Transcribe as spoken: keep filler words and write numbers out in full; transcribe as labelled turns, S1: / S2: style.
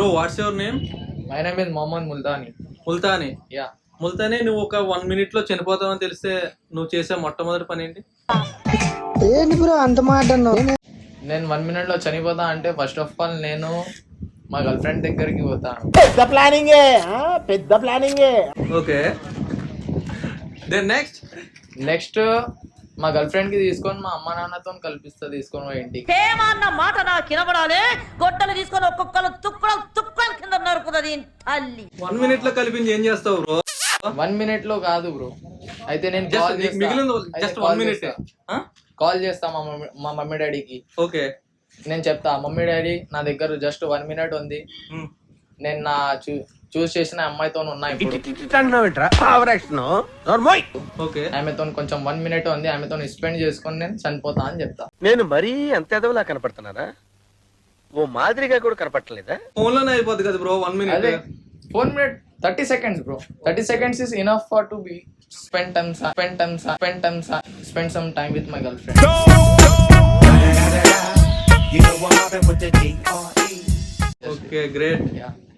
S1: Bro what's your name?
S2: My name is Mohammad Multani.
S1: Multani?
S2: Yeah.
S1: Multani, నువ్వు ఒక one minute లో చనిపోతావని తెలిస్తే నువ్వు చేసే మొట్టమొదటి పని ఏంటి?
S3: ఏంటి బ్రో అంత మాట అన్నావు?
S2: నేను వన్ మినిట్ లో చనిపోతా అంటే ఫస్ట్ ఆఫ్ ఆల్ నేను మా గర్ల్ ఫ్రెండ్ దగ్గరికి పోతాను.
S4: పెద్ద ప్లానింగే, పెద్ద ప్లానింగే.
S1: Okay, then next?
S2: నెక్స్ట్ మా గర్ల్ ఫ్రెండ్ కి తీసుకొని మా అమ్మ నాన్నతో కల్పిస్తా, తీసుకొని పోయి ఇంటికి.
S5: ఏమన్న మాట నాకు వినబడాలి. గొడ్డలు తీసుకొని ఒక్కొక్కరు తుక్కలు తుక్కలు కింద నరుకుతుంది తల్లి.
S1: వన్ మినిట్ లో కలిపింది ఏం చేస్తావు బ్రో?
S2: వన్ మినిట్ లో కాదు బ్రో, అయితే నేను
S1: జస్ట్ మిగిలిన జస్ట్ వన్ మినిట్
S2: కాల్ చేస్తా మా మమ్మీ మా మమ్మీ డాడీకి.
S1: ఓకే,
S2: నేను చెప్తా, మమ్మీ డాడీ నా దగ్గర జస్ట్ వన్ మినిట్ ఉంది, నేను నా చూ చూస్ చేసిన అమ్మాయితో ఉన్నా ఇప్పుడు, ఆమెతో కొంచెం వన్ మినిట్ ఉంది, ఆమెతో స్పెండ్ చేసుకొని నేను చనిపోతా అని చెప్తా.
S4: నేను మరీ అంత ఎదవలా కనపడుతున్నారా? ఓ మాదిరిగా కూడా కనపడలేదా?
S1: ఫోన్ లోనే అయిపోద్ది కదా బ్రో వన్ మినిట్.
S2: అదే four minute thirty seconds bro, thirty seconds is enough for to be spend time spend time spend time spend some time with my girlfriend.
S1: Okay, great.
S2: Yeah.